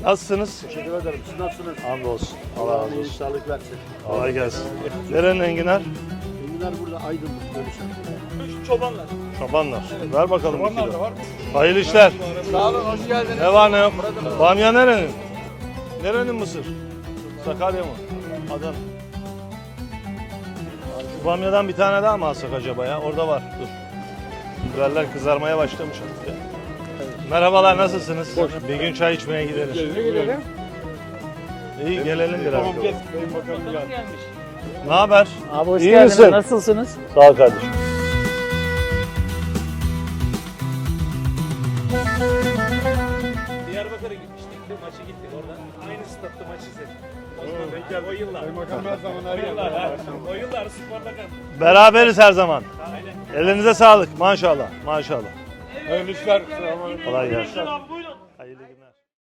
Nasılsınız? Teşekkür ederim. Siz nasılsınız? Hamdolsun. Allah razı olsun. Sağlık versin. Kolay gelsin. Nerenin enginar? Enginar burada Aydınlık görüşen. Çobanlar. Çobanlar. Ver bakalım bir Çobanlar da kilo. var. Hayırlı işler. Sağ olun, hoş geldiniz. Ne var ne yok? Bamya nerenin? Nerenin mısır? Sakarya mı? Adana. Şu bamyadan bir tane daha mı alsak acaba ya? Orada var. Dur. Biberler kızarmaya başlamış artık ya. Merhabalar, nasılsınız? Bir gün çay içmeye gideriz. Gidelim. İyi, gelelim biraz. Tamam, gel. Benim bakalım gel. Ne haber? Abi hoş İyi geldiniz. misin? Nasılsınız? Sağ ol kardeşim. Diyarbakır'a gitmiştik. Maçı gittik orada. Aynı statta maç izledik. O yıllar. Bakalım her zaman her O yıllar sporda kaldım. Beraberiz her zaman. Aynen. Elinize sağlık. Maşallah. Maşallah. Hayırlı işler. Kolay gelsin. Abi buyurun. Hayırlı günler.